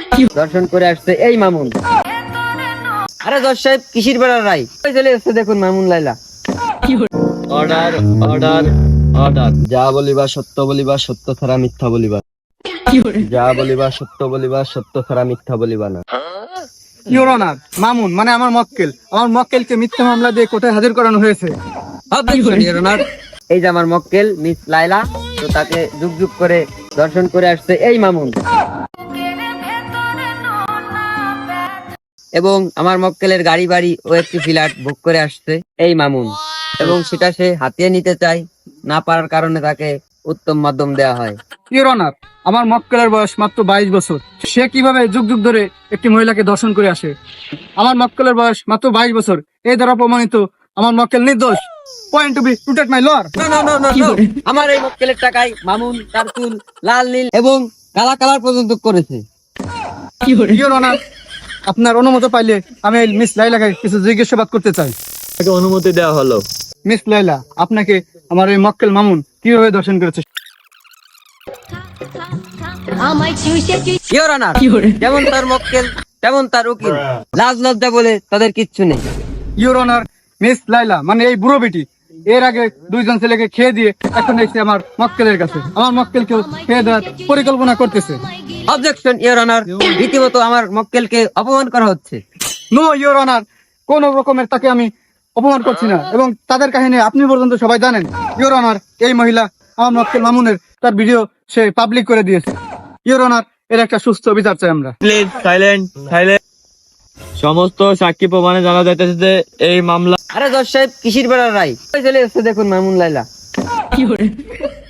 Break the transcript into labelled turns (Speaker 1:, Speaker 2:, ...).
Speaker 1: দর্শন করে আসছে এই মামুন। আরে জজ সাহেব কিসির বেড়ার রায় চলে এসছে, দেখুন Mamun Laila.
Speaker 2: Order order order. যা বলিবা সত্য বলিবা, সত্য ছাড়া মিথ্যা বলিবা। যা বলিবা সত্য বলিবা, সত্য ছাড়া মিথ্যা বলিবা না।
Speaker 3: ইওর অনার, মামুন মানে আমার মক্কেলকে মিথ্যা মামলা দিয়ে কোর্টে হাজির করানো হয়েছে।
Speaker 1: Objection, Your Honor। এই যে আমার মক্কেল মিস লাইলা, তো তাকে যুগ যুগ করে দর্শন করে আসছে এই মামুন। এবং আমার মক্কেলের গাড়ি বাড়ি ও একটি ফ্ল্যাট বুক করে আসছে এই মামুন, এবং সেটা সে হাতিয়ে নিতে চায়, না পারার কারণে তাকে উত্তম মাধ্যম দেওয়া হয়।
Speaker 3: ইওর অনার, আমার মক্কেলের বয়স মাত্র 22 বছর। সে কিভাবে যুগ যুগ ধরে একটি মহিলাকে দর্শন করে আসে? আমার মক্কেলের বয়স মাত্র 22 বছর। এই দ্বারা প্রমাণিত আমার মক্কেল নির্দোষ। Point to be noted my lord.
Speaker 1: No, আমার এই মক্কেলের টাকায় মামুন তার চুল লাল নীল এবং কালা কালার পর্যন্ত করেছে।
Speaker 3: ইওর অনার, আপনার অনুমতি পাইলে আমি এই মিস লাইলাকে কিছু জিজ্ঞাসাবাদ করতে চাই।
Speaker 2: তাকে অনুমতি দেওয়া হলো।
Speaker 3: মিস লাইলা, আপনাকে আমার এই মক্কেল মামুন কিভাবে দর্শন করেছে?
Speaker 1: Your Honor, যেমন তার মক্কেল তেমন তার উকিল, লাজ লজ্জা বলে তাদের কিচ্ছু নেই।
Speaker 3: ইওর অনার, মিস লাইলা মানে এই বুড়ো বেটি এর আগে দুইজন ছেলেকে খেয়ে দিয়ে এখন এসে আমার মক্কেলের কাছে আমার মক্কেলকেও খেয়ে দেওয়ার পরিকল্পনা করতেছে।
Speaker 1: অবজেকশন, ইওর অনার, রীতিমতো আমার মক্কেলকে অপমান করা হচ্ছে।
Speaker 3: নো ইওর অনার, কোন রকমের তাকে আমি অপমান করছি না, এবং তাদের কাহিনী আপনি পর্যন্ত সবাই জানেন। ইওর অনার, এই মহিলা আমার মক্কেল মামুনের তার ভিডিও সে পাবলিক করে দিয়েছে। ইওর অনার, এর একটা সুস্থ বিচার চাই আমরা।
Speaker 2: Please silent silent. সমস্ত সাক্ষী প্রমাণে জানা যাইতেছে যে এই মামলা।
Speaker 1: আরে জজ সাহেব কিসির বেড়ার রায় চলে এসছে, দেখুন মামুন লাইলা।